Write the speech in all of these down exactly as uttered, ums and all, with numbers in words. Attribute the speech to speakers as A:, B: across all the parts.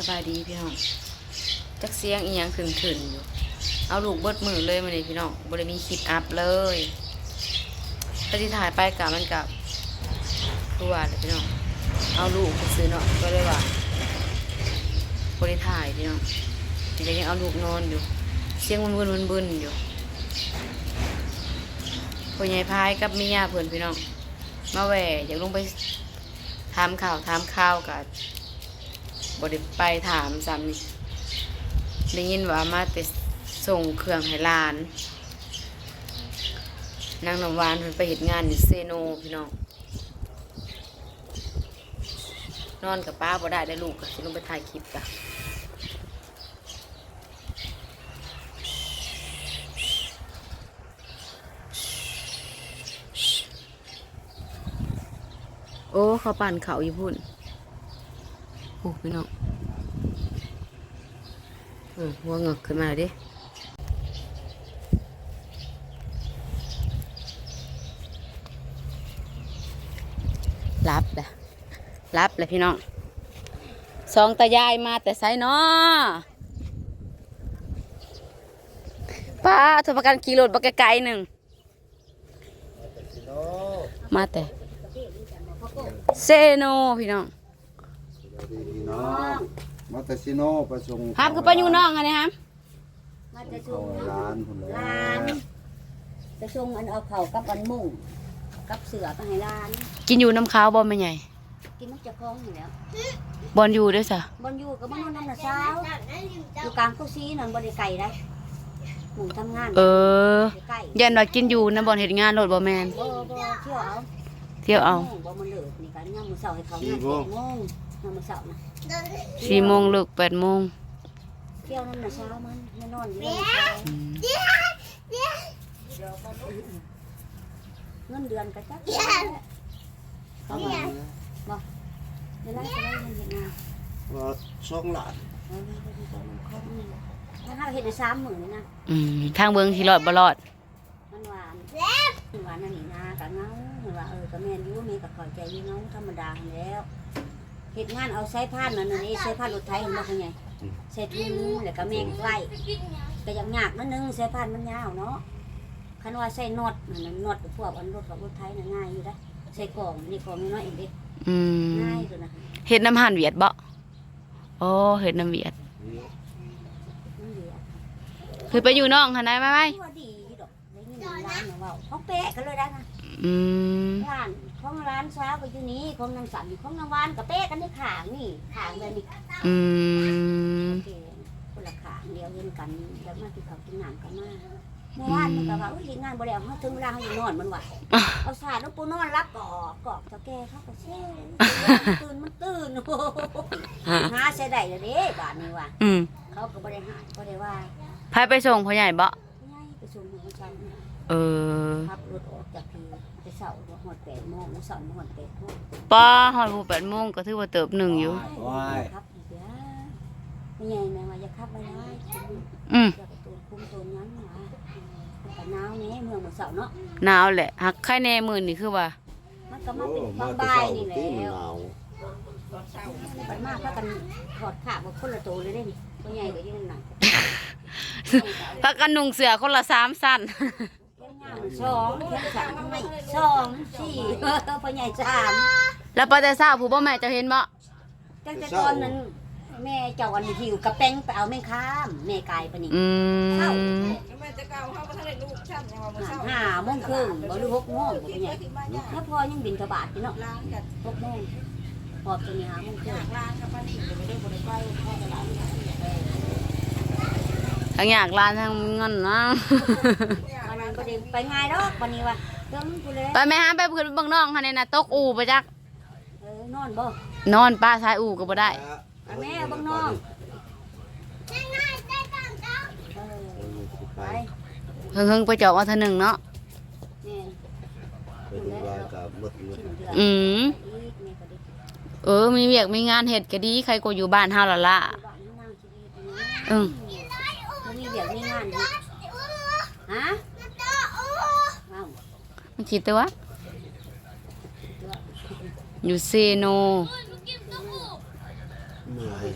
A: บายดีพี่น้องจักเสียงอีหยังขึ้นขึ้นอยู่เอาลูกเบิดมือเลยมาเลยพี่น้องบริมีคลิปอัพเลยถ้าที่ถ่ายไปกับมันกับคือว่าเลยพี่น้องเอาลูกไปซื้อเนาะก็เลยว่าบริถ่ายพี่น้องทีนี้ยังเอาลูกนอนอยู่เสียงวุ่นวุ่นวุ่นวุ่นอยู่พ่อใหญ่พายกับเมียเพื่อนพี่น้องมาแหวอยากลงไปถามข่าวถามข่าวกับบริไปถามซ้ำนี่ได้ยินว่ามาแต่ส่งเครื่องให้ลานนางน้ำหวานเพิ่นไปเฮ็ดงานอยู่เซโนพี่น้องนอนกับป้าบ่ได้ได้ลูกก็สิลงไปถ่ายคลิปกะโอ้เขาปั่นเขาอยู่พุ่นโอ้พี่น้องเออหัวเงือกขึ้นมาดิรับแหละรับเลยพี่น้องสองตายายมาแต่ไซน้อป้าโทรประกันขี่รถบักไกลๆหนึ่งมาแต่เซโนพี่น้อง
B: มาแต่ซิโนประชุม
A: ครับคือไปอยู่น้องไงครับ
C: มาจะชง
B: ร้านคนละ
C: ร้านจะชงอันเอาเข่ากับอันมุ่งกับเสือไปให้ร้าน
A: กินอยู่น้ำขาวบอลไม่ใหญ่
C: กินมันจะคล้องอยู่แล้ว
A: บอลอยู่ด้วยจ้ะ
C: บนอยู่กับมันนอนน้ำเช้าอยู่กลางกุซีนั่นบริไก่ได้หมูทำงาน
A: เออ
C: ไก่
A: ยันว่ากินอยู่นะบอลเห็นงานรถบอแมน
C: บ่บ่เที่ยวเอา
A: เที่ยวเอา
C: บ่มันเลิกนี่กันย่างมือเสาให้เขางานแปดโมงย่างมือเสานะ
A: สี่โมงเลิกแปดโมง
C: เที่ยวน้ำเช้ามันไม่นอนอยู่น้ำเช้าเงินเดือนก็จักเขามาบ่เวลาจะได้เงินเห็นงาน
B: ว่าสองหลาน
C: ถ้าเราเห็นในสามหมื่นนี่นะ
A: อืมทางเบืองที่รอดบ่รอด
C: มันหวานหวานนั่นนี่นะกับเงาว่าเออกับแม่ยูมีกับขอยใจยูเงาธรรมดาแล้วเหตุงานเอาใช้ผ้านั่นนี่ใช้ผ้ารถไทยเห็นบ่คุณไงใช้ทุ่งแล้วก็แมงไล่ก็ยังยากนั่นนึงใช้ผ้ามันยาวเนาะคันว่าใช้นอดนั่นนอดพวกอันรถกับรถไทยน่ะง่ายอยู่ได้ใช้กล่องนี่กล่องน้อยเองเด็ก
A: อืม
C: ง่ายตัวนะ
A: เห็ดน้ำห่านเวียดบ่โอ้เห็ดน้ำเวียดคือไปอยู่น้องหันได้ไหมไหม
C: ว่าดีดอกได้ยินร้านว่าเขาเป๊ะกันเลยได้นะ
A: อืม
C: ร้านของร้านเช้าก็อยู่นี้ของนางสันของนางวานกับเป๊ะกันที่ขางนี่ขางเลยนี่
A: อืม
C: คนละขางเดียวเห็นกันแล้วมาที่เขากินหนังกันมาเมื่อวานมันก็ว่าอุ้ยงานบ่ได้เขาถึงเวลาเขาอยู่นอนมันว่ะเอาสาดน้ำปูนอนรับกอกกอกเจ้าแก่เขาก็เช่ตื่นมันตื่นโอ้หาใส่ได้เลยเด้บาทนี้ว่ะ
A: อืม
C: เขาก็บ่ได้หายบ่ได้ว่า
A: พายไปส่งพ่อใหญ่บ่
C: ง่ายไปส่งหัวใจ
A: เออ
C: ขับรถออกจากที่ไปเสาหอดแปดโมงเสาร์หอดแปดโมง
A: ป้าหอดหูแปดโมงก็ถือว่าเติบหนึ่งอยู่
B: ว้าย
C: ครับเดี๋ยวไม่ใหญ่แม่ว่าจะขับไปได้
A: อืม
C: จะไปตูนคุ้มตูนนั้นหรอแต่หนาวนี้เมืองมันเสาเนาะ
A: หนาวแหละหักไข่แน่มือนี่คือว่า
C: มันก็มาเป็น
B: มา
C: บาง
B: แต่
C: ใบ
B: เช้า
C: นี่แห
B: ตีมัน
C: ล้ว
B: หนาว
C: ไปมากถ้ากันถอดขาบคนละตัวเลยได้นี่ตัวใหญ่ก็ยืนหนัก
A: พักกันนุ่งเสือคนละสามสั้น
C: สองแค่สามไม่สองสี่พ่อใหญ่สาม
A: แล้วปาแต่ทราบผู้บ่แม่จะเห็นบ่
C: ตั้งแต่ตอนนั้นแม่เจ้าอันหิวกระเป้งไปเอาแม่ข้ามแม่กายปะนี่
A: อื
C: เข้าม
D: แม่จะเก่าเขาก็ทะเลลูกช่ำยังว่าบ่เศร้า
C: ห้าโมงครึ่งบ่รู้หกโมงพ่อใหญ่แล้วพอยังบินกระบาดอยู่เนาะ
D: ล้างกัน
C: หกโมงพอตัวนี้ห้าโมงครึ่ง
D: ล้างกับป้านี่ก็ไม่ได้บ่ได้ไปพ่อตลาด
A: ทั้งอยากลานทั้งเงินนะ
C: วันนั้นบ่ได้ไปง่ายดอกวันนี้ว่าเรื่องกูเลย
A: ไปแม่ฮะไปเพื่อนเบิ่งน้องค่ะเนี่ยนะตกอู่ไปจัก
C: เออนอนบ่
A: นอนป้าชายอู่ก็บ่ได้
C: ไปแม่เบิ่งน้องเออไป
A: เฮิงเฮิงๆไปเจาะมาเท่านึงเนาะ
C: แม่
B: เป็นว่ากับหมดเงิน
C: ชิ้นเดือน
A: อืม
C: อีกแม่ก็ได้
A: เออมีเวียกมีงานเฮ็ดก็ดีใครก็อยู่บ้านเฮาละล่ะ
C: บ้านนี่นั่งชีวิตนี่
A: อืม
C: บ่มีเวียกมีงานอยู่ฮะว้าว
A: มันคิดตัวอยู่เซโน
B: เหนื่อย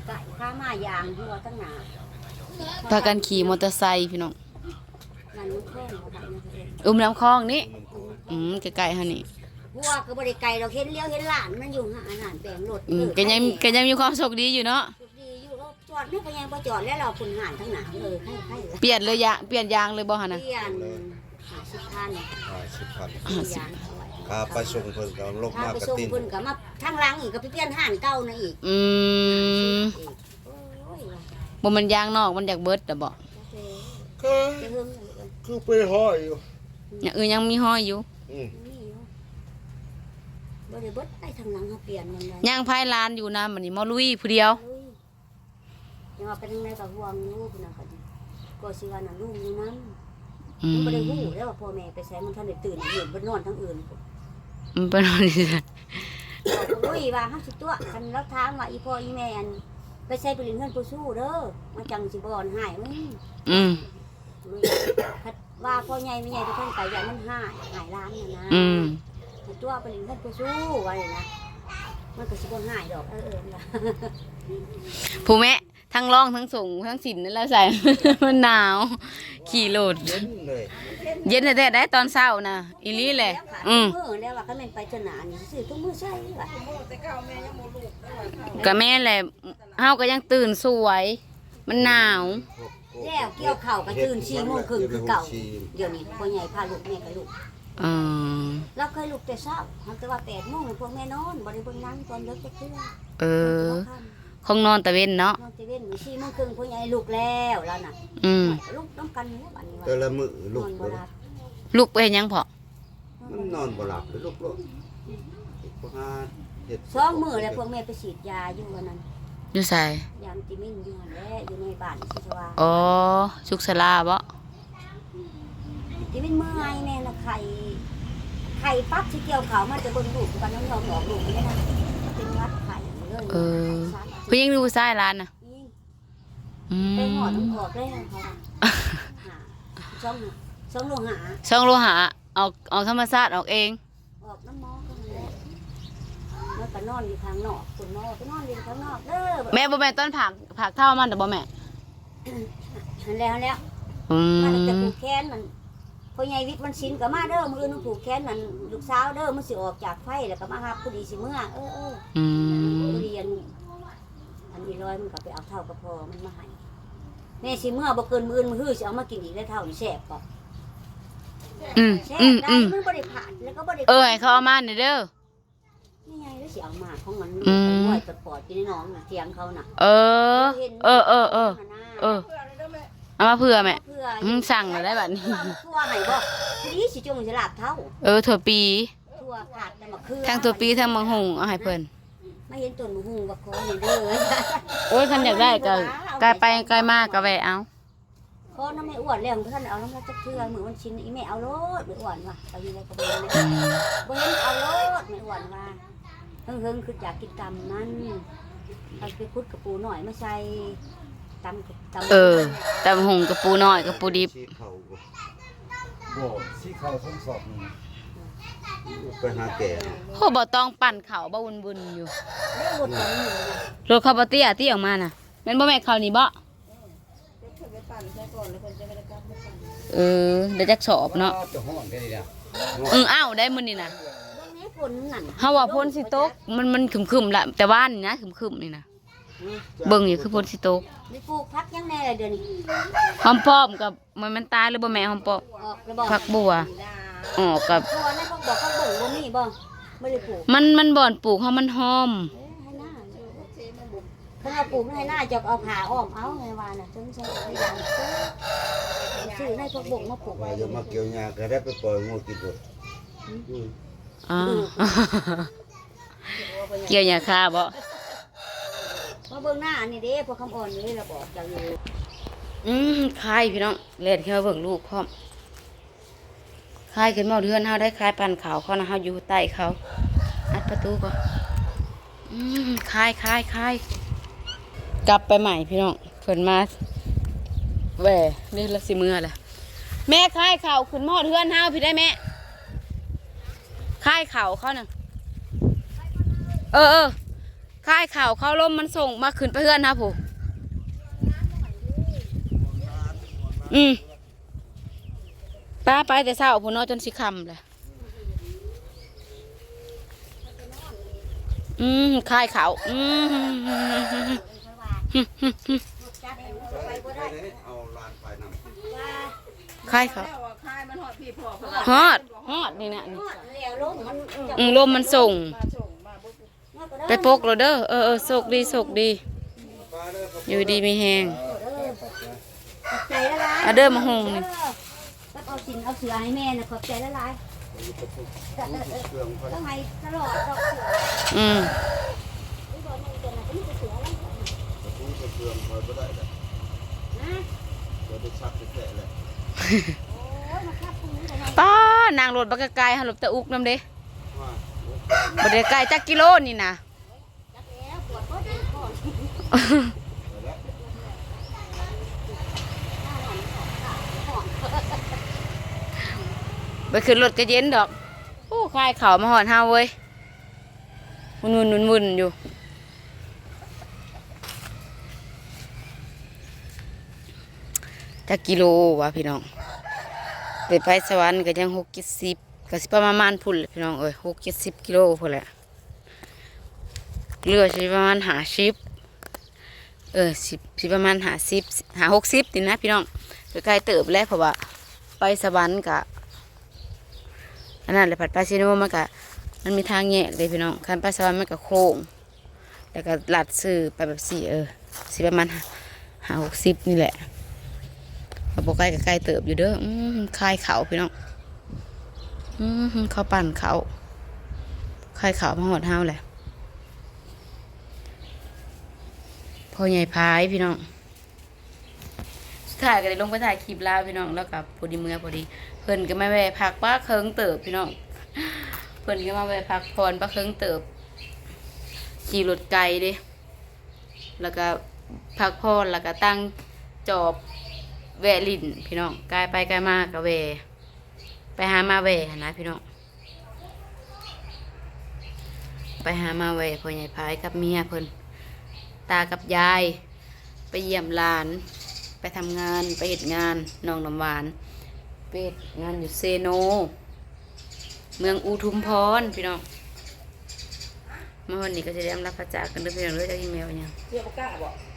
C: ไก่ข้ามายางหัวตั้งหนา
A: พากันขี่มอเตอร์ไซค์พี่น้อง
C: นั่นมันคล้องเขาแบบนี้เอง
A: อุ้มน้ำคลองนี่อืมใกล้ๆฮะนี่
C: หัวก็บริไก่เราเห็นเลี้ยวเห็นหลานมันอยู่หาอาหารแบ่งรถ
A: อืมก็ยังก็ยังมีความสุขดีอยู่เนาะ
C: ดีอยู่เราจอดไม่ไปยังพอจอดแล้วเราคุณหานทั้งหนาเลยให้ให้
A: เปลี่ยนเลยยะเปลี่ยนยางเลยบ่ฮะนะ
C: เปลี่ยนหาสิบพัน
B: ห้าสิบพัน
C: เปลี่ยนยางเอาไว้
B: ค่าไปส่งเพิ่นก็ลบาก
C: ถ้ามไป
B: กระ
C: ส่ง
B: ติน
C: เพิ่นก็มาทางหลังอีกก็ไปเปลี่ยนห่านเก่านะอีก
A: อืม
C: อีกโอ้ยว่ะ
A: บ่มันยางนอกมันอยากเบิดแต่บ่
C: โอเค
B: คือ
C: จะเฮิงเลย
B: คือไปห้อยอยู่
A: อย่างอื่นยังมีห้อยอยู่
B: อืม
C: นี่อยู่บ่ได้เบิดไปทางหลังเขาเปลี่ยนมันเลย
A: ย่างพายลานอยู่นะมันนี่มอลุยผู้เดียว
C: เฮ้ยยังว่าไปทางไหนก็ห่วงลูกนะก็ดีก็สิว่าน่ะลูกอยู่นั้น
A: อื
C: มัน
A: ม
C: บ่ได้ฮู้แล้วว่าพ่อแม่ไปใช้มันทันได้ตื่นอยู่บ่นอนทั้งอื่น
A: มันเป็นอะไรสิ
C: โอ้ยว่าเฮาสิตัวคันเราถามว่าอีพ่ออีแม่อันไปใช้ไปเรียนเฮือนผู้สู้เด้อมาจังสิบ่อนหายมึง
A: อืม
C: คัดว่าพ่อใหญ่แม่ใหญ่ทุกคนไปอย่างมันหายหายร้านน่ะนะ
A: อืม
C: ให้ตัวไปเรียนเฮือนผู้สู้ว่าเลยนะมันก็สิบ่หายดอกเออเออล่ะ
A: ผู้แม่ทั้งร้องทั้งส่งทั้งสินนั่นแหล้วใส่ มันหนาว ขี่รถ
B: เย็นเลย
A: เย็นแท้ๆได้ตอนเช้านะอีหลีแหละ อืม
C: มื้อแล้วว่าคันแม่นไปเจาหนานี่ซื้อทุกมื้อใช่ว่า
D: แต่เก่าแม่ยังบ่ลูกได้ว่าเขา
A: ก็แม่แหละเฮาก็ยังตื่นสวย มันหนาว
C: แล้วเกี่ยวข้าวก็ตื่นสี่โมงครึ่งคือเก่าเดี๋ยวนี้พ่อใหญ่พาลูกแม่กับลูก
A: อืม
C: เราเคยลุกแต่เช้าเขาแต่ว่าแปดโมงพวกแม่นอนบริเวณนั่งตอนเลิกจะเที่ยง
A: เออคงนอนตะเว้นเนาะ
C: นอนจะเว้นสี่โมงครึ่งพ่อใหญ่ลุกแล้วแล้วน่ะ
A: อืม
C: ลุกต้องกันแล้วบัดนี้ว่า
B: แต่ละมื้อน ลู
C: อก นบ่
B: บ่
C: หลับ
A: ลูกไปเฮ็ดหยังพอ
B: มันนอนบ่หลับเลยลูกโลกบ่หาเฮ็ด
C: สองมื้อแล้วพวกแม่ไปฉีดยาอยู่วันนั้น
A: อยู่ใส่
C: ยามติมินอยู่หั่นแหละอยู่ในบ้านสิชวา
A: อ๋อสุขศาลาบ่
C: ติมินเมื่อยแม่น่ะไข่ไข่ปั๊บสิเกี่ยวข้าวมันจะเบิ่งลูกกันน้องยอมออกลูกนี่นะเป็นวัดไข่เลย
A: เออเพิ่นยังดูซ้ายร้านน่ะ
C: นี่
A: อืม
C: ไปหอน้ำออกได้เขาน่ะหาช่องช่องโลหะ
A: ช่องโลหะเอาเอาธรรมชาติออกเอง
C: ออกน้ำหมอก็แล้วมันก็นอนอยู่ข้างนอกคุณหมอไปนอนอยู่ข้างนอกเด้อ
A: แม่บ่แม่นต้นผักผักเท่ามันแต่บ่แม่
C: นั่นแล้วแล้ว
A: อื
C: มันจะ
A: ม
C: ผูกแขนมันพ่อใหญ่วิทย์มันชินก็มาเด้อมือนึงผูกแขนนั่นลูกสาวเด้อมันสิออกจากไฟแล้วก็มาหาพอดีสิเมื่อเออเออ
A: อืม
C: เรียนอันนี้ร้อยมันก็ไปเอาเท่ากับพอมันมาให้แม่สิเมื่อบ่เกินมื้อมื้อฮื้อสิเอามากินอีกได้เท่านี่แซ่บป่ะ
A: อืม
C: แซ่
A: อื
C: บ
A: ม
C: ได้
A: อืม
C: มันบ่ได้ผ่านแล้วก็บ่ได้
A: เออให้เขาเอามาหน่อยเด้อ
C: นี่ไงแล้วสิเอามาของมัน
A: อืม
C: น้อยตะปอดกินในน้องน่ะเถียงเขาน่ะ
A: เออ เออเออเออเออ
D: เพื่อนเลยเด้อแม่
A: เอามาเผื่อแม่
C: เพื่อ
A: อืมสั่งเลยได้บัดนี้
C: ทั่วให้บ่ทีนี้สิจงสิลาบเท่า
A: เออถั่วปี
C: ทั่วขาดแต่มะเขือ
A: ทั้งถั่วปีทั้งมังหุงเอาให้เพิ่น
C: ไม่เห็นต้นมะฮุงบักคอนี่เด้อ
A: โอ้ยคันอยากได้ก็ไกลไปไกลมากก็แวะเอา
C: คอน้ำไม่อ้วนแล้วท่านเอาน้ำละจักเทื่อมื้อวันชิ้นอีแม่เอาโลดไม่อ้วนว่ะเอาอยู่ในกระเบื้อง
A: อืม
C: บ่เห็นเอาโลดไม่อ้วนว่าเฮิงๆคืออยากกินตำมันเอาไปพุดกระปูหน่อยมาใส่ตำกับตำ
A: เออแต่หุงกับปูน้อยกับปูดิบ
B: ชี้เข้าบ่บ่ชี้เข้าทั้งสอบนี่ไปหาแก่
A: โหบ่ต้องปั่นเขาบ่วุ่นๆอยู่
C: เด้อหมดตอนนี้นะ
A: รถเขาบ่เตี้ยตี้ออกมาน่ะแม่นบ่แม่นเขานี่บ่
D: เพิ่นไปปั่นใส่ก่อนแล้วเพิ่นจะไปกลับมาปั่น
A: เออเดี๋ยวจักสอบเนาะ
B: จะฮ้อนแค่นี้ล่ะ
A: อืออ้าวได้มื้อนี้น่ะ
C: เบิ่งแม่ฝนนั่น
A: เฮาว่าพ้นสิตกมันมันครึมๆละแต่ว่านี่นะครึมๆนี่นะเบิ่งอยู่คือพ้นสิตก
C: มีปลูกพักยังแน่เลยเดี๋ยวนี้
A: หอมป้อมกับมันมันตายหรือบ่แม่หอมป้อม
C: ออกระบอก
A: ผักบัวอ๋อกับ
C: ตัวนั้นพวกบอกเขาบ่งบ่มีบ่ไม่ได้ปลูก
A: มันมันบ่อนปลูกเฮามันหอม
C: เอ้ยให้หน้าถ้าเอาปลูกให้หน้าจะเอาผ่าอ้อมเอาไงว่าน่ะจนใช้ได้ยังซื้อให้พวกบ่งมาปลูก
B: ว่า
C: ไว้
B: จะมาเกี่ยวหญ้าก็ได้ไปปล่อยงูกินหมดอืม
A: อ่าเกี่ยวหญ้าคาบ่
C: มาเบิ่งหน้านี่เด้พวกคำอ่อนนี่เราบอกจังอยู่
A: อืมคายพี่น้องเล่นขึ้นมาเบิ่งลูกพร้อมคายขึ้นมาเรือนเฮาได้คายปั่นขาวเขานะเฮาอยู่ใต้เขาอัดประตูก่อนอืมคายคายคายกลับไปใหม่พี่น้องเพิ่นมาแหวนี่ละสิเมื่อแหละแม่คายเข่าขึ้นมาเรือนเฮาพี่ได้แม่คายเข่าเขาน่ะเออเออค่ายข่าวเข้าลมมันส่งมาขึ้นไปเพื่อนนะผู้อืมป้าไปแต่เช้าผู้นอนจนสิค่ำเลยอืมค่ายข่าวอืม
C: จัดเองไปบ่ได้
B: เอาลานไปนำ
C: ว่า
A: ค่ายข่าว
D: แล้วว่าคายมันหอดพี่พ่อเพิ่น
A: ฮอดฮอดนี่นะนี่
C: ฮอดแล้วลมมันจะ
A: อืมลมมันส่ง
D: มาส่งมาบ่
C: มาก็ด้
A: ไปปกเราเด้อเออเออโศกดีโศกดี อยู่ดีมีแหง
C: ขอบใจละลาย
A: อ่ะเด้อมาหุงนี่
C: ก็เอาสินเอาเสือให้แม่นะขอบใจละลาย
B: เครื่องพอ
C: ต้องให้ตลอดดอกเสือ
A: อืม
C: นี่บ่มึงจะน่ะก็มีแต่เสือแล้ว
B: ประตูเครื่องพอบ่ได้แล้ว
C: นะ
B: เดี๋ยวได้ชักแท้ๆเลย
C: โอ้ยมาครับคุณนี่ก็ให้
A: ป้านางรถบักไกลๆหันหลบตะอุกน้ำเด้
B: ว่า
A: บ่ได้ไกลจักกิโลนี่นะ
C: จักแล้วปวดก็ดีก่อน
A: ไปขึ้นรถก็เย็นดอกโอ้คลายเข่าวมาหอดเฮาเว้ยวุ่นวุ่นวุ่นวุ่นอยู่จักกิโลวะพี่น้องไปไปสวรรค์ก็ยังหกเจ็ดสิบก็สิประมาณพุ่นแหละพี่น้องเอ้ยหกเจ็ดสิบกิโลพุ่นแหละเรือสิประมาณหาสิบเออสิบสิประมาณหาสิบหาหกสิบนี่นะพี่น้องไปไกลเติบแล้วเพราะว่าไปสวรรค์กะอันนั้นแหละผัดปลาซิโนมันกะมันมีทางแยกเลยพี่น้องคันไปสวรรค์มันกะโค้งแล้วก็ลัดซื้อไปแบบสี่เออสิประมาณหาหกสิบนี่แหละเอาโปใกล้กับใกล้เติบอยู่เด้ออืมคายเขาพี่น้องอืมเขาปั่นเขาคายเขามาหอดเฮาแหละพอใหญ่พายพี่น้องสุดท้ายก็เลยลงไปถ่ายคลิปลาวพี่น้องแล้วกับพอดีเมื่อพอดีเพิ่นก็มาแวะพักป้าเคิงเติบพี่น้องเพิ่นก็มาแวะพักพรป้าเคิงเติบขี่รถไกลเด้แล้วก็พักพรแล้วก็ตั้งจอบแวะลิ่นพี่น้องกายไปกายมาก็แวะไปหามาแวะนะพี่น้องไปหามาแวะพ่อใหญ่พายกับเมียเพิ่นตากับยายไปเยี่ยมหลานไปทำงานไปเฮ็ดงานน้องน้ำหวานไปเฮ็ดงานอยู่เซโนเมืองอุทุมพรพี่น้องเมื่อวันนี้ก็จะได้รับพระจากกันด้วยพี่น้องด้วยจากอีเมลเนี่ย
D: เรียกบ่กล้าบ่